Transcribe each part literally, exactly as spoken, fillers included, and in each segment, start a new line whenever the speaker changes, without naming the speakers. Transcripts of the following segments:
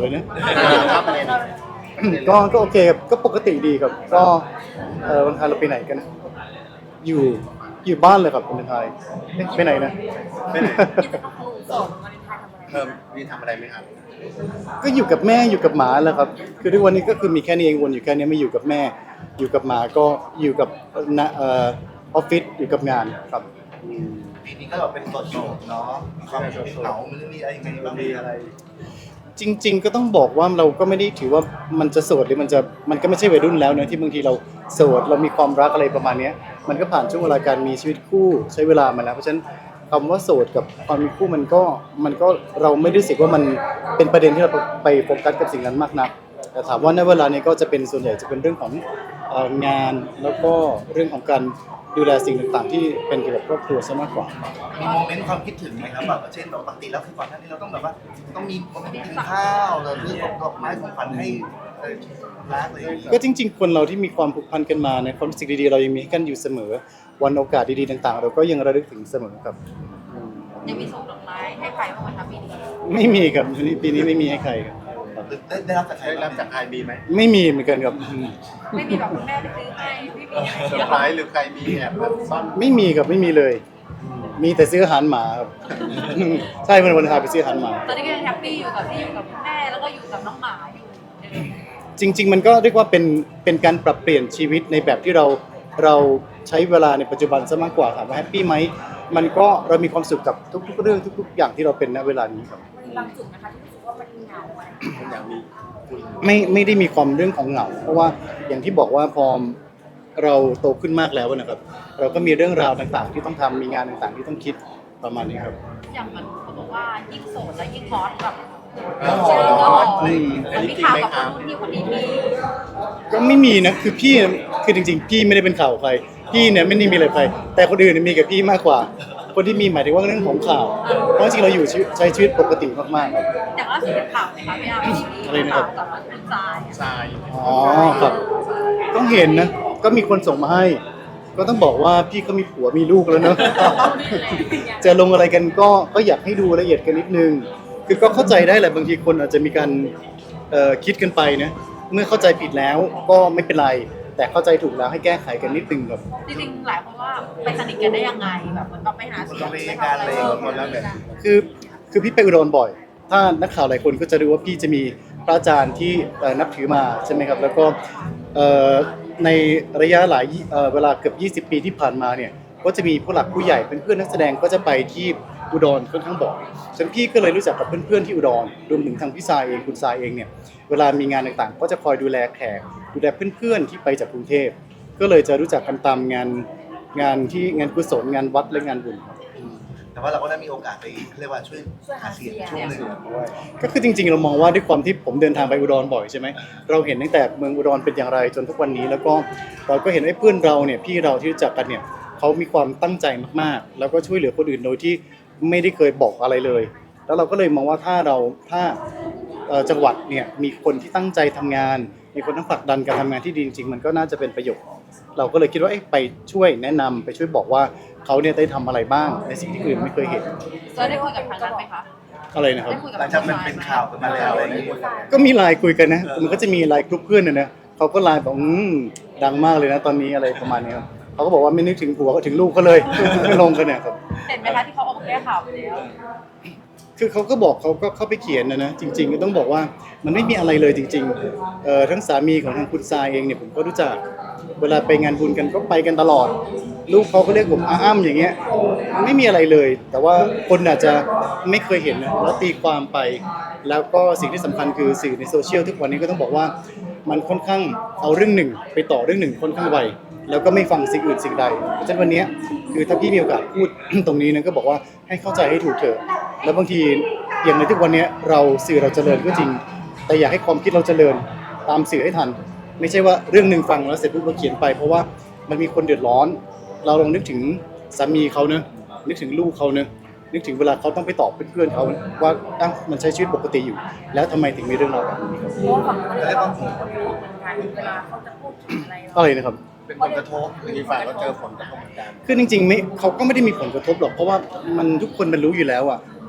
เลยนะ
ครับอะไรนะ
ก็ก็โอเคครับก็ปกติดีครับก็เออวันไทยเราไปไหนกันนะอยู่อยู่บ้านเลยครับวันไทยเอ๊ะไปไหนนะ
ไปไหน
กิจกรรมของสองวันไทยทำอะไร
เพิ่มมีทำอะไรไหมครับ
ก็อยู่กับแม่อยู่กับหมาแหละครับคือทุกวันนี้ก็คือมีแค่นี้เองวนอยู่แค่นี้ไม่อยู่กับแม่ อยู่กับหมาก็อยู่กับนะเอ่อออฟฟิศอยู่กับงานครับ
ปีนี้ก็แบบเป็นโสดๆเนาะมีความเหงามันมีอะไรยังไงบ้างมีอะไร
จริง ๆ ก็ต้องบอกว่าเราก็ไม่ได้ถือว่ามันจะโสดหรือมันจะมันก็ไม่ใช่วัยรุ่นแล้วนะที่บางทีเราโสดเรามีความรักอะไรประมาณเนี้ยมันก็ผ่านช่วงเวลาการมีชีวิตคู่ใช้เวลามาแล้วเพราะฉะนั้นคำว่าโสดกับความมีคู่มันก็มันก็เราไม่ได้รู้สึกว่ามันเป็นประเด็นที่เราไปโฟกัสกับสิ่งนั้นมากนักแต่ถามว่าในเวลานี้ก็จะเป็นส่วนใหญ่จะเป็นเรื่องของเอ่องานแล้วก็เรื่องของการดูแลสิ่งต่างๆ ที่เป็นเกี่ยวกับครอบครัวซะมากกว่า
มีโมเมนต์ความคิดถึงไหมครับแบบเช่นแบบปกติแล้วคือก่อนหน้านี้เราต้องแบบว่าต้องมีคนกินข้าวเราซื้อดอกไม้ของขวัญให้เอ่อรักอะไรอย่างเงี้ย
ก็จริงๆ คนเราที่มีความผูกพันกันมาในความรู้สึกดีๆ เรายังมีให้กันอยู่เสมอ วันโอกาสดีๆ ต่างๆ เราก็ยังระลึกถึงเสมอครับ
ยังมีส่งดอกไม้ให้ใครบ้างไหมคะปีนี้
ไม่มีครับปีนี้ไม่มีให้ใครครับ
ได้ได้รับจากใครได้รับจากใครมีไหม
ไม่มีเหมือนกันครับอืม
ไม่มีแบบคุณแม่ไปซื้อให้ไม่มีอะไร
เซอร์ไพรส์หรือใครมีแอบแบบซ่อน
ไม่มีครับไม่มีเลย มีแต่ซื้ออาหารหมาครับ ใช่วันวันพาไปซื้ออาหารหมา
ตอนนี้ก็ยังแฮปปี้อยู่กับที่อยู่กับคุณแม่แล้วก็อยู่กับน้องหมาอยู่
จริง ๆ มันก็เรียกว่าเป็นเป็นการปรับเปลี่ยนชีวิตในแบบที่เราเราใช้เวลาในปัจจุบันซะมากกว่าถามว่าแฮปปี้ไหมมันก็เรามีความสุขกับทุก ๆ เรื่องทุก ๆ อย่างที่เราเป็นณเวลานี้ครับ
มีบางจุดนะคะที่รู้สึกว่ามันเหงาอะไร
คนอย่างมีคุณ
ไม่ไม่ได้มีความเรื่องของเหงาเพราะว่าอย่างที่บอกว่าพอเราโตขึ้นมากแล้วนะครับ เราก็มีเรื่องราวต่างๆ ที่ต้องทำมีงานต่างๆ ที่ต้องคิดประมาณนี้ครับ
อย่างเหมือนเขาบอกว่ายิ่งโสดแล้วยิ่งฮอตแบบ
แล้ว
เจอก็ฮอต
อะไร
มันมี
จริง
ข่าว
ไหม
กับ
ค
ค
รั
น
บ
นู้นที่คนนี้มี
ก็ไม่มีนะคือพี่คือจริงๆ พี่ไม่ได้เป็นข่าวใคร พี่เนี่ยไม่ได้มีอะไรใครแต่คนอื่นเนี่ยมีกับพี่มากกว่า คนที่มีหมายถึงว่าเรื่องของข่าว เพราะจริงๆเราอยู่ชีวิตใช้ชีวิตปกติมากๆครับ
อย่างล่าสุดเป็นข่าวนะคะพี่อาร์มที่มี
อะไรนะครับ
ข่าวกับคุณทรายอะ
ทราย
อ๋อครับต้องเห็นนะก็มีคนส่งมาให้ ก็ต้องบอกว่าพี่ก็มีผัวมีลูกแล้วเนอะ จะลงอะไรกันก็ก็อยากให้ดูละเอียดกันนิดนึง คือก็เข้าใจได้แหละบางทีคนอาจจะมีการเอ่อคิดกันไปนะเมื่อเข้าใจผิดแล้วก็ไม่เป็นไร แต่เข้าใจถูกแล้วให้แก้ไขกันนิดนึงครับ
จริงๆหลายคนว่าไปสนิทกันได้ยังไงแบบเหมือนกับไปหาเสียง
ไป
ไป
งาน
ทำ
อะ
อะไร ไร
หมดแล้วแบบ
คือคือพี่ไปอุดรบ่อย ถ้านักข่าวหลายคนก็จะรู้ว่าพี่จะมีพระอาจารย์ที่เอ่อนับถือมาใช่ไหมครับ แล้วก็เอ่อในระยะหลายเอ่อเวลาเกือบยี่สิบปีที่ผ่านมาเนี่ยก็จะมีผู้หลักผู้ใหญ่เป็นเพื่อนนักแสดงก็จะไปที่อุดรค่อนข้างบ่อยฉะนันพี่ก็เลยรู้จักกับเพื่อนๆที่อุดรรวมถึงทางพี่ทรายเองคุณทรายเองเนี่ยเวลามีงานต่างๆ ก็จะคอยดูแลแขกดูแลเพื่อนๆที่ไปจากกรุงเทพก็เลยจะรู้จักกันตามงานงานที่งานกุศลงานวัดและงานบุญครับ
แต่ว่าเราก็ได้มีโอกาสไปเรียกว่าช่วยหาเสียงช่วงหนึ่ง
ก็คือจริงๆเรามองว่าด้วยความที่ผมเดินทางไปอุดรบ่อยใช่ไหมเราเห็นตั้งแต่เมืองอุดรเป็นอย่างไรจนทุกวันนี้แล้วก็เราก็เห็นไอ้เพื่อนเราเนี่ยพี่เราที่รู้จักกันเนี่ยเขามีความตั้งใจมากๆ แล้วก็ช่วยเหลือคนอื่นโดยที่ไม่ได้เคยบอกอะไรเลย แล้วเราก็เลยมองว่าถ้าเราถ้าเอ่อจังหวัดเนี่ยมีคนที่ตั้งใจทำงาน มีคนทั้งผลักดันการทำงานที่ดีจริงๆมันก็น่าจะเป็นประโยชน์เราก็เลยคิดว่าเอ๊ะไปช่วยแนะนำไปช่วยบอกว่าเขาเนี่ยได้ทำอะไรบ้างในสิ่งที่อื่นไม่เคยเห็น
เราได้คุยกับทางนั้นไหมคะ
อะไรนะครับ
ได้คุยกับ
หลังจากมันเป็นข่าวกันมาแล้วอะไรอย่างเงี้ย
ก็มีไลน์คุยกันนะ มันก็จะมีไลน์กลุ่มเพื่อนนะนะเขาก็ไลน์บอกอืมดังมากเลยนะตอนนี้อะไรประมาณนี้ครับเขาก็บอกว่าไม่นึกถึงผัวก็ถึงลูกเขาเลย ลงกันเนี่ยครับ
เห็นไหมคะที่เขาออกมาแก้ข่าวไปแล้ว
คือเขาก็บอกเขาก็เข้าไปเขียนนะนะจริง ๆ ก็ต้องบอกว่ามันไม่มีอะไรเลยจริงๆเอ่อทั้งสามีของทางคุณทรายเองเนี่ยผมก็รู้จักเวลาไปงานบุญกันก็ไปกันตลอด ลูกเขาก็เรียกผมอาอ้ำอย่างเงี้ยไม่มีอะไรเลย แต่ว่าคนอาจจะไม่เคยเห็นนะแล้วตีความไป แล้วก็สิ่งที่สำคัญคือสื่อในโซเชียลทุกวันนี้ก็ต้องบอกว่ามันค่อนข้างเอาเรื่องหนึ่งไปต่อเรื่องหนึ่งค่อนข้างไวแล้วก็ไม่ฟังสิ่งอื่นสิ่งใดเพราะฉะนั้นวันนี้คือถ้าพี่มีโอกาสพูด ตรงนี้นะก็บอกว่าให้เข้าใจให้ถูกเถอะแล้วบางทีอย่างในทุกวันนี้เราสื่อเราเจริญก็จริง แต่อยากให้ความคิดเราเจริญตามสื่อให้ทัน ไม่ใช่ว่าเรื่องหนึ่งฟังแล้วเสร็จปุ๊บเราเขียนไป เพราะว่ามันมีคนเดือดร้อน เราลองนึกถึงสามีเขาเนอะนึกถึงลูกเขาเนอะนึกถึงเวลาเขาต้องไปตอบเพื่อนๆเขาว่าอ้าวมันใช้ชีวิตปกติอยู่ แล้วทำไมถึงมีเรื่องราวแบบนี้ครับ
เพราะว่าฝั่งคนก็มีคนรู้เหมือนกันเวลาเขาจะพูดถึงอะไรเรา
อะไรนะครับ
เป็นผลกระทบอีกฝ่ายก็เจอผลกระทบเหมือนกัน
คือจริงๆไม่เขาก็ไม่ได้มีผลกระทบหรอกเพราะว่ามันทุกคนมันรู้อยู่แล้วอ่ะค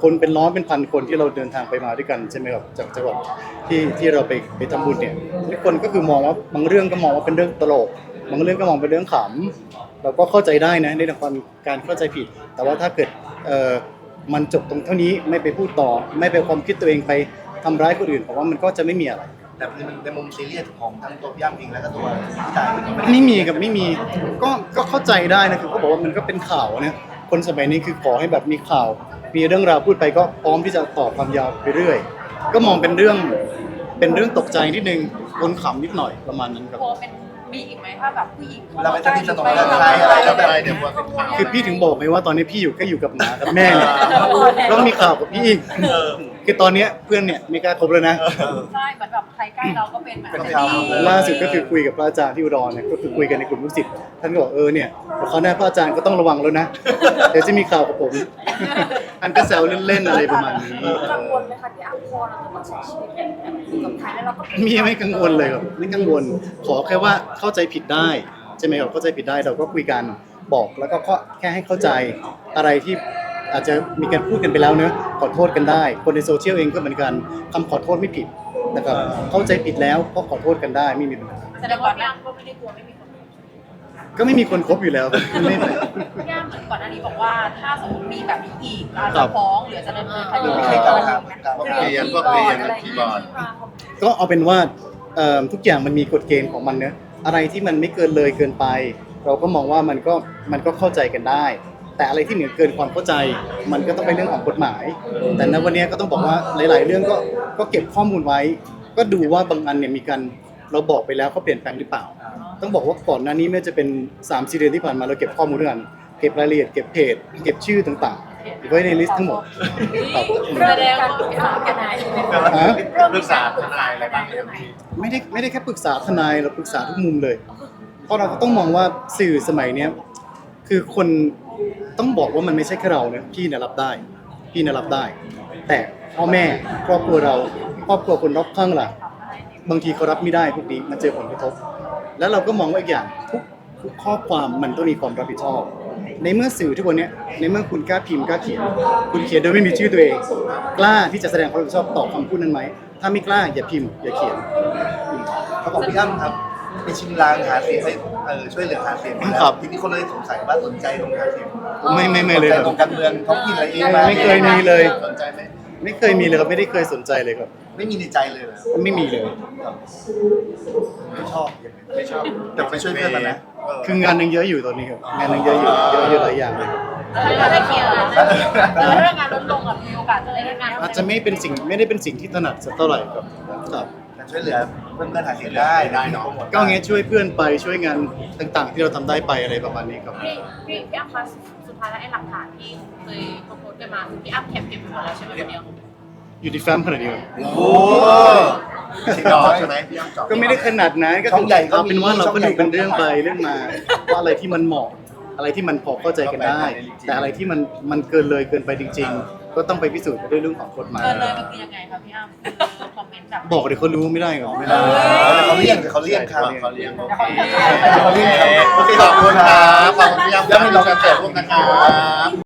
คนเป็นร้อยเป็นพันคนที่เราเดินทางไปมาด้วยกันใช่ไหมครับจากจังหวัดที่ที่เราไปไปทำบุญเนี่ยทุกคนก็คือมองว่าบางเรื่องก็มองว่าเป็นเรื่องตลกบางเรื่องก็มองเป็นเรื่องขำเราก็เข้าใจได้นะในเรื่องของการเข้าใจผิด แต่ว่าถ้าเกิดเอ่อมันจบตรงเท่านี้ไม่ไปพูดต่อ ไม่ไปความคิดตัวเองไปทำร้ายคนอื่นผมว่ามันก็จะไม่มีอะไร
แต่ในในมุมซีเรียสของทั้งตัวพี่ย่ำเองแล้วก็ตัวพี่จ่ายเองก็ไม่ได้
ไม่มีกับไม่มีก็ก็เข้าใจได้นะคือเขาบอกว่ามันก็เป็นข่าวนะคนสมัยนี้คือขอให้แบบมีข่าว มีเรื่องราวพูดไปก็พร้อมที่จะต่อความยาวไปเรื่อย ก็มองเป็นเรื่องเป็นเรื่องตกใจนิดนึงคนขำนิดหน่อยประมาณนั้นครับ
กลัวเป็นมีอีกไหมถ้าแบบผู้หญิง
เราไปสนิทสนมกับใครอะไรแล้วแบบเดี๋ยวว่าเป็นข่าว
คือพี่ถึงบอกไงว่าตอนนี้พี่อยู่แค่อยู่กับหมากับแม่เนี่ยแล้วมีข่าวกับพี่อีกคือตอนเนี้ยเพื่อนเนี่ยไม่กล้าคบแล้วนะ
ใช่เหมือนแบบใครใกล้เราก็เป็นแบบ
เป็น
เป็น
ข่าว
ที่
ล่าสุดก็คือคุยกับพระอาจารย์ที่อุดรเนี่ยก็คือคุยกันในกลุ่มลูกศิษย์ท่านก็บอกเออเนี่ยเขาวหน้าพระอาจารย์ก็ต้องระวังแล้วนะเดี๋ยวจะมีข่าวกับผมอันก็แซวเล่นๆอะไรประมาณนี้
กังวลไหมคะที่อ่ะพอเราจะต้องใช้ชีวิตแบบอยู่กับใครแล้วเราก็เป็น
มีไม่กังวลเลยครับไม่กังวล ขอแค่ว่าเข้าใจผิดได้ใช่ไหมครับเข้าใจผิดได้เราก็คุยกันบอกแล้วก็แค่ให้เข้าใจอะไรที่อาจจะมีการพูดกันไปแล้วเนอะขอโทษกันได้ คนในโซเชียลเองก็เหมือนกันคำขอโทษไม่ผิดนะครับเข้าใจผิดแล้วก็ขอโทษกันได้ไม่มีปัญหา
แสดงว่าพี่อ้ำก็ไม่ได้กลัวไม่มีคน
ก็ไม่มีคนคบอยู่แล้วไม่
พี่อ้ำเหมือนก่อนหน้านี้บอกว่าถ้าสมมติมีแบบนี้อีกเรา
ครั
จะ
บ
ฟ้องหรือจะดำเนินคดี
มีใครกล่าวหา
เรียน
พวกเรียนพวกคีย์บอร์ด
ก็เอาเป็นว่าเอ่อทุกอย่างมันมีกฎเกณฑ์ของมันเนอะอะไรที่มันไม่เกินเลยเกินไป เราก็มองว่ามันก็มันก็เข้าใจกันได้ แต่อะไรที่เหนือเกินความเข้าใจ มันก็ต้องเป็นเรื่องของกฎหมาย แต่ณวันนี้ก็ต้องบอกว่าหลาย ๆ เรื่องก็ก็เก็บข้อมูลไว้ ก็ดูว่าบางอันเนี่ยมีการเราบอกไปแล้วเขาเปลี่ยนแปลงหรือเปล่า ต้องบอกว่าก่อนหน้านี้ไม่ว่าจะเป็นสามสี่เดือนที่ผ่านมาเราเก็บข้อมูลด้วยกันเก็บรายละเอียดเก็บเพจเก็บชื่อต่างๆไว้ในลิสต์ทั้งหมดครับ
แสดงว่าปรึกษากันไหน
ฮะ
ปรึกษาทนายอะไรบ้างไหมครับพี่
ไม่ได้ไม่ได้แค่ปรึกษาทนายเราปรึกษาทุกมุมเลย เพราะเราก็ต้องมองว่าสื่อสมัยเนี้ยคือคนต้องบอกว่ามันไม่ใช่แค่เรานะพี่เนี่ยรับได้ พี่เนี่ยรับได้ แต่พ่อแม่ครอบครัวเราครอบครัวคนรอบข้างล่ะบางทีเขารับไม่ได้พวกนี้มันเจอผลกระทบ แล้วเราก็มองว่าอีกอย่างทุกทุกข้อความมันต้องมีความรับผิดชอบ ในเมื่อสื่อทุกวันเนี้ยในเมื่อคุณกล้าพิมพ์กล้าเขียน คุณเขียนโดยไม่มีชื่อตัวเอง กล้าที่จะแสดงความรับผิดชอบต่อคำพูดนั้นไหมถ้าไม่กล้าอย่าพิมพ์อย่าเขียน
เขาบอกพี่อ้ำครับไปชิมลางหาเสียงให้เออช่วยเหลือหาเสียง
ครับ
ทีนี้คนเลยสงสัยว่าสนใจตรงหาเสียง
ไม่ไม่ไม่เลย
สนใจ
ครับ
ตรงการเมืองท้องถิ่นอะไรเอง
ไม่ไม่เคยมีเลย
สนใจไหม
ไม่เคยมีเลยครับไม่ได้เคยสนใจเลยครับ
ไม่มีในใจเลยเหรอ
ไม่มีเลย
ไม่ชอบไม่ชอบแต่ไปช่วยเพื่อนมันนะเออ
คืองานยังเยอะอยู่ตอนนี้ครับงานยังเยอะอยู่เยอะเยอะหลายอย่างเลยครับ
เราได้เคลียร์แล้วเรื่องงานลดลงอ่ะมีโอกาสจะได้งาน
อาจจะไม่เป็นสิ่งไม่ได้เป็นสิ่งที่ถนัดสักเท่าไหร่ครับครับ
แต่ช่วยเหลือเพื่อนเพื่อนๆหาเสียงได้ได้เนาะ
ก็งั้นช่วยเพื่อนไปช่วยงานต่างๆ ที่เราทำได้ไปอะไรประมาณนี้ครับ
พี่พี่พี่อ้ำคะสุดท้ายแล้วไอ้หลักฐานที่เคยโพสต์กันมาคือพี่อ้ำแคปเก็บหมดแล้วใช่ไหมวันนี้
อยู่ที่แฟ้มขนาดนี้ครับ
โอ้โหชิงดอกใช่ไหมพี่อ้ำจอบ
ก็ไม่ได้ขนาดนั้นก็
ช่องใหญ่ก็
เอาเป็นว่าเรา
ช่
ก็
องใหญ่
ดูเป็นเรื่อง
ก็
ไปเรื่องมาว่าอะไรที่มันเหมาะอะไรที่มันพอเข้าใจกันได้ แต่อะไรที่มันมันเกินเลยเกินไปจริง ๆ ก็ต้องไปพิสูจน์กันด้วยเรื่องของกฎหมาย
เกินเลยมันคือยังไงคะพี่อ้ำคอมเมนต์แบบ
บอกเดี๋ยวเขารู้ไม่ได้หรอไม่ได้
แต่เขาเลี่ยงแต่เขาเลี่ยงครับ
เขาเรียกโอ
เขาเลี่ยงครับ
เคขอบคุณครับขอบคุณพี่ยำที่มาร่วมกันเกิดร่วมนะครับ